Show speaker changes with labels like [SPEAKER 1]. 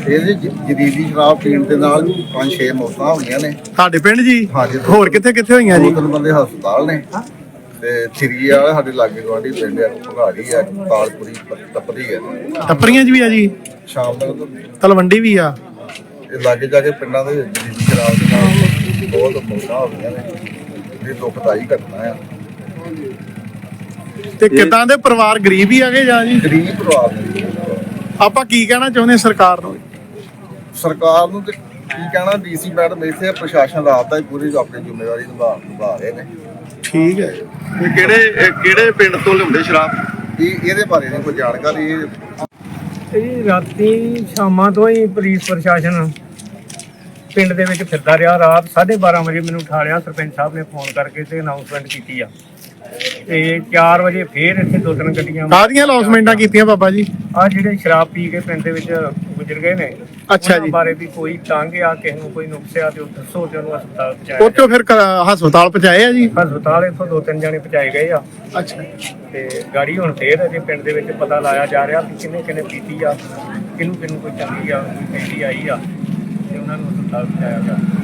[SPEAKER 1] ਇਹਦੇ ਜਦੀਦੀ ਸ਼ਰਾਬ ਪੀਣ ਦੇ ਨਾਲ 5-6 ਮੌਤਾਂ ਹੋਈਆਂ ਨੇ
[SPEAKER 2] ਤੁਹਾਡੇ ਪਿੰਡ ਜੀ?
[SPEAKER 1] ਹਾਂਜੀ।
[SPEAKER 2] ਹੋਰ ਕਿੱਥੇ ਕਿੱਥੇ ਹੋਈਆਂ ਜੀ?
[SPEAKER 1] 2-3 ਬੰਦੇ ਹਸਪਤਾਲ ਨੇ ਤੇ ਥਰੀ ਵਾਲੇ ਸਾਡੇ ਲਾਗੇ ਗਵਾਂਢੀ ਪਿੰਡ ਆ, ਭਗਾੜੀ ਆ, ਤਾਲਪੁਰੀ, ਟੱਪਰੀ ਆ।
[SPEAKER 2] ਟੱਪਰੀਆਂ 'ਚ ਵੀ ਆ ਜੀ?
[SPEAKER 1] ਸ਼ਾਮ ਤੱਕ
[SPEAKER 2] ਤਲਵੰਡੀ ਵੀ ਆ?
[SPEAKER 1] ਇਹ ਲਾਗੇ ਜਾ ਕੇ ਪਿੰਡਾਂ ਦੇ ਜਦੀਦੀ ਸ਼ਰਾਬ ਦੇ ਨਾਲ ਬਹੁਤ ਮੌਤਾਂ ਹੋਈਆਂ ਨੇ। ਇਹ ਦੁਖਦਾਈ ਘਟਨਾ ਆ।
[SPEAKER 2] ਤੇ ਕਿੱਦਾਂ ਦੇ ਪਰਿਵਾਰ ਗਰੀਬ ਹੀ ਆਗੇ ਜਾਂ ਜੀ?
[SPEAKER 1] ਗਰੀਬ ਪਰਿਵਾਰ ਨੇ।
[SPEAKER 2] ਆਪਾਂ ਕੀ ਕਹਿਣਾ ਚਾਹੁੰਦੇ ਸਰਕਾਰ ਨੂੰ?
[SPEAKER 1] ਸਰਕਾਰ ਨੂੰ ਤੇ ਕੀ ਕਹਿਣਾ, ਡੀਸੀ ਮੈਡਮ ਇੱਥੇ ਪ੍ਰਸ਼ਾਸਨ ਰਾਤ ਦਾ ਹੀ ਪੂਰੀ ਆਪਣੀ ਜ਼ਿੰਮੇਵਾਰੀ ਨਿਭਾ ਰਹੇ ਨੇ।
[SPEAKER 2] ਠੀਕ ਹੈ।
[SPEAKER 3] ਕਿਹੜੇ ਪਿੰਡ ਤੋਂ ਲਿਆਉਂਦੇ ਸ਼ਰਾਬ?
[SPEAKER 1] ਇਹਦੇ ਬਾਰੇ ਨਹੀਂ ਕੋਈ ਜਾਣਕਾਰੀ।
[SPEAKER 4] ਇਹ ਰਾਤੀ ਸ਼ਾਮਾਂ ਤੋਂ ਹੀ ਪੁਲਿਸ ਪ੍ਰਸ਼ਾਸਨ ਪਿੰਡ ਦੇ ਵਿੱਚ ਫਿਰਦਾ ਰਿਹਾ। ਰਾਤ 12:30 ਵਜੇ ਮੈਨੂੰ ਉਠਾ ਲਿਆ ਸਰਪੰਚ ਸਾਹਿਬ ਨੇ ਫੋਨ ਕਰਕੇ ਤੇ ਅਨਾਉਂਸਮੈਂਟ ਕੀਤੀ ਆ। ਤੇ 4 ਵਜੇ ਫੇਰ ਇੱਥੇ 2-3 ਗੱਡੀਆਂ
[SPEAKER 2] ਕਾਹਦੀਆਂ ਅਨਾਉਂਸਮੈਂਟਾਂ ਕੀਤੀਆਂ ਬਾਬਾ ਜੀ?
[SPEAKER 4] ਆ ਜਿਹੜੇ ਸ਼ਰਾਬ ਪੀ ਕੇ ਪਿੰਡ ਦੇ ਵਿੱਚ ਗੁਜ਼ਰ ਗਏ ਨੇ,
[SPEAKER 2] ਅੱਛਾ
[SPEAKER 4] ਉਹਨਾਂ
[SPEAKER 2] ਜੀ।
[SPEAKER 4] ਬਾਰੇ ਵੀ ਕੋਈ ਤੰਗ ਆ, ਕਿਸੇ ਨੂੰ ਕੋਈ ਨੁਕਸ ਆ ਤੇ ਉਹ ਦੱਸੋ ਤੇ ਉਹਨੂੰ ਹਸਪਤਾਲ ਪਹੁੰਚਾਇਆ
[SPEAKER 2] ਉੱਥੋਂ ਫਿਰ ਹਸਪਤਾਲ ਪਹੁੰਚਾਏ ਆ ਜੀ?
[SPEAKER 4] ਹਸਪਤਾਲ ਇੱਥੋਂ 2-3 ਜਾਣੇ ਪਹੁੰਚਾਏ ਗਏ ਆ।
[SPEAKER 2] ਅੱਛਾ।
[SPEAKER 4] ਤੇ ਗਾੜੀ ਹੁਣ ਫੇਰ ਅਜੇ ਪਿੰਡ ਦੇ ਵਿੱਚ ਪਤਾ ਲਾਇਆ ਜਾ ਰਿਹਾ ਕਿ ਕਿਹਨੇ ਕਿਹਨੇ ਪੀਤੀ ਆ, ਕਿਹਨੂੰ ਕਿਹਨੂੰ ਕੋਈ ਚੰਗੀ ਆ, ਕੋਈ ਪਹਿਲੀ ਆਈ ਆ, ਤੇ ਉਹਨਾਂ ਨੂੰ ਹਸਪਤਾਲ ਪਹੁੰਚਾਇਆ ਗਿਆ।